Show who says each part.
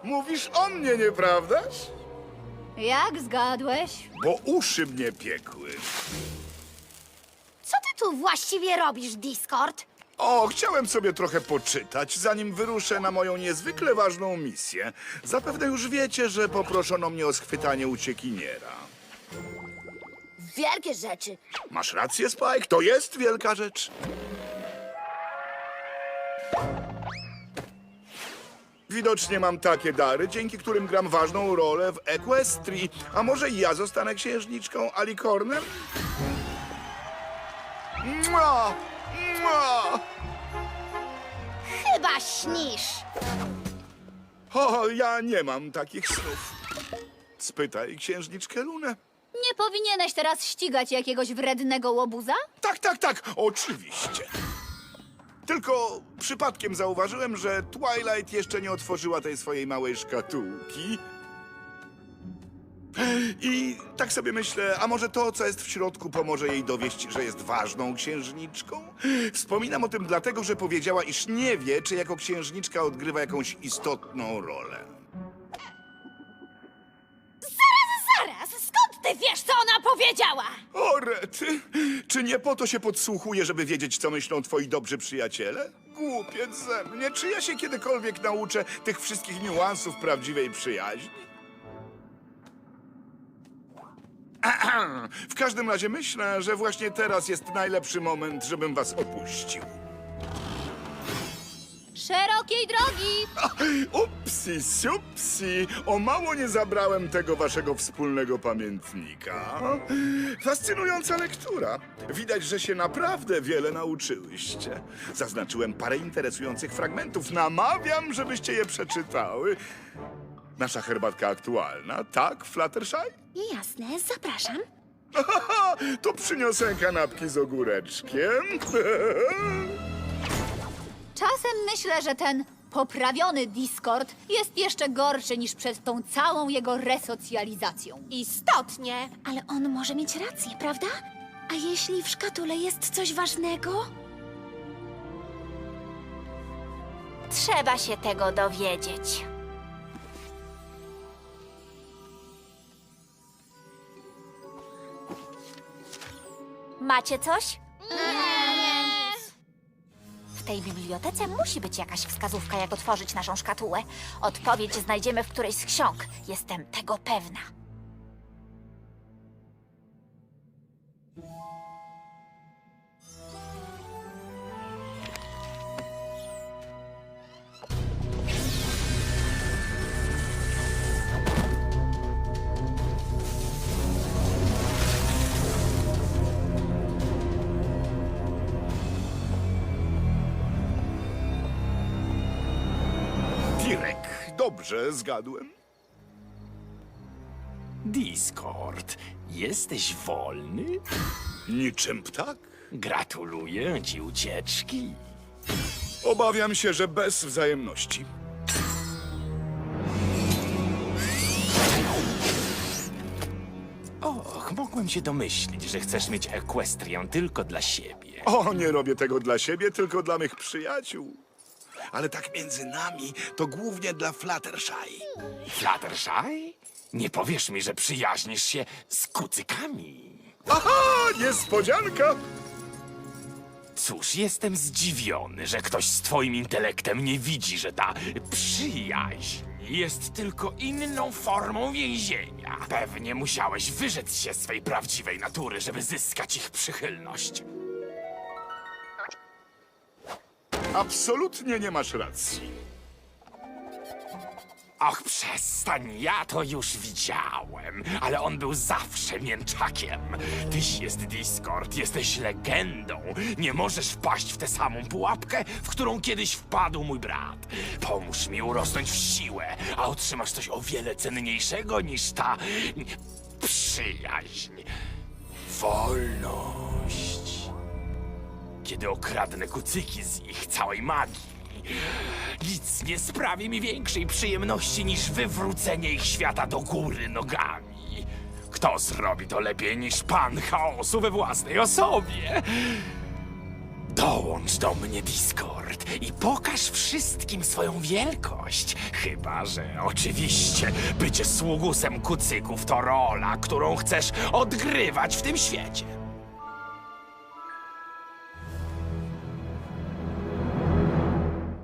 Speaker 1: Mówisz o mnie, nieprawdaż?
Speaker 2: Jak zgadłeś?
Speaker 1: Bo uszy mnie piekły.
Speaker 3: Co ty tu właściwie robisz, Discord?
Speaker 1: O, chciałem sobie trochę poczytać, zanim wyruszę na moją niezwykle ważną misję. Zapewne już wiecie, że poproszono mnie o schwytanie uciekiniera.
Speaker 3: Wielkie rzeczy.
Speaker 1: Masz rację, Spike, to jest wielka rzecz. Widocznie mam takie dary, dzięki którym gram ważną rolę w Equestrii. A może ja zostanę księżniczką Alicornem? Mua! Mua!
Speaker 3: Chyba śnisz.
Speaker 1: O, ja nie mam takich snów. Spytaj księżniczkę Lunę.
Speaker 2: Nie powinieneś teraz ścigać jakiegoś wrednego łobuza?
Speaker 1: Tak, oczywiście. Tylko przypadkiem zauważyłem, że Twilight jeszcze nie otworzyła tej swojej małej szkatułki. I tak sobie myślę, a może to, co jest w środku, pomoże jej dowieść, że jest ważną księżniczką? Wspominam o tym dlatego, że powiedziała, iż nie wie, czy jako księżniczka odgrywa jakąś istotną rolę.
Speaker 3: Zaraz, skąd ty wiesz, co ona powiedziała?
Speaker 1: O, rety, czy nie po to się podsłuchuje, żeby wiedzieć, co myślą twoi dobrzy przyjaciele? Głupiec ze mnie, czy ja się kiedykolwiek nauczę tych wszystkich niuansów prawdziwej przyjaźni? W każdym razie myślę, że właśnie teraz jest najlepszy moment, żebym was opuścił.
Speaker 2: Szerokiej drogi!
Speaker 1: Upsi, supsi, o mało nie zabrałem tego waszego wspólnego pamiętnika. Fascynująca lektura. Widać, że się naprawdę wiele nauczyłyście. Zaznaczyłem parę interesujących fragmentów. Namawiam, żebyście je przeczytały. Nasza herbatka aktualna, tak, Fluttershy?
Speaker 3: Jasne, zapraszam.
Speaker 1: To przyniosę kanapki z ogóreczkiem.
Speaker 2: Czasem myślę, że ten poprawiony Discord jest jeszcze gorszy niż przed tą całą jego resocjalizacją.
Speaker 3: Istotnie. Ale on może mieć rację, prawda? A jeśli w szkatule jest coś ważnego?
Speaker 4: Trzeba się tego dowiedzieć. Macie coś? W tej bibliotece musi być jakaś wskazówka, jak otworzyć naszą szkatułę. Odpowiedź znajdziemy w którejś z ksiąg. Jestem tego pewna.
Speaker 1: Direk, dobrze zgadłem.
Speaker 5: Discord, jesteś wolny?
Speaker 1: Niczym ptak?
Speaker 5: Gratuluję ci ucieczki.
Speaker 1: Obawiam się, że bez wzajemności.
Speaker 5: Och, mogłem się domyślić, że chcesz mieć Equestrię tylko dla siebie.
Speaker 1: O, nie robię tego dla siebie, tylko dla mych przyjaciół. Ale tak między nami, to głównie dla Fluttershy.
Speaker 5: Fluttershy? Nie powiesz mi, że przyjaźnisz się z kucykami.
Speaker 1: Aha, niespodzianka!
Speaker 5: Cóż, jestem zdziwiony, że ktoś z twoim intelektem nie widzi, że ta przyjaźń jest tylko inną formą więzienia. Pewnie musiałeś wyrzec się swej prawdziwej natury, żeby zyskać ich przychylność.
Speaker 1: Absolutnie nie masz racji.
Speaker 5: Och, przestań, ja to już widziałem, ale on był zawsze mięczakiem. Tyś jest Discord, jesteś legendą. Nie możesz wpaść w tę samą pułapkę, w którą kiedyś wpadł mój brat. Pomóż mi urosnąć w siłę, a otrzymasz coś o wiele cenniejszego niż ta przyjaźń. Wolność. Kiedy okradnę kucyki z ich całej magii, nic nie sprawi mi większej przyjemności niż wywrócenie ich świata do góry nogami. Kto zrobi to lepiej niż pan chaosu we własnej osobie? Dołącz do mnie, Discord, i pokaż wszystkim swoją wielkość. Chyba że oczywiście bycie sługusem kucyków to rola, którą chcesz odgrywać w tym świecie.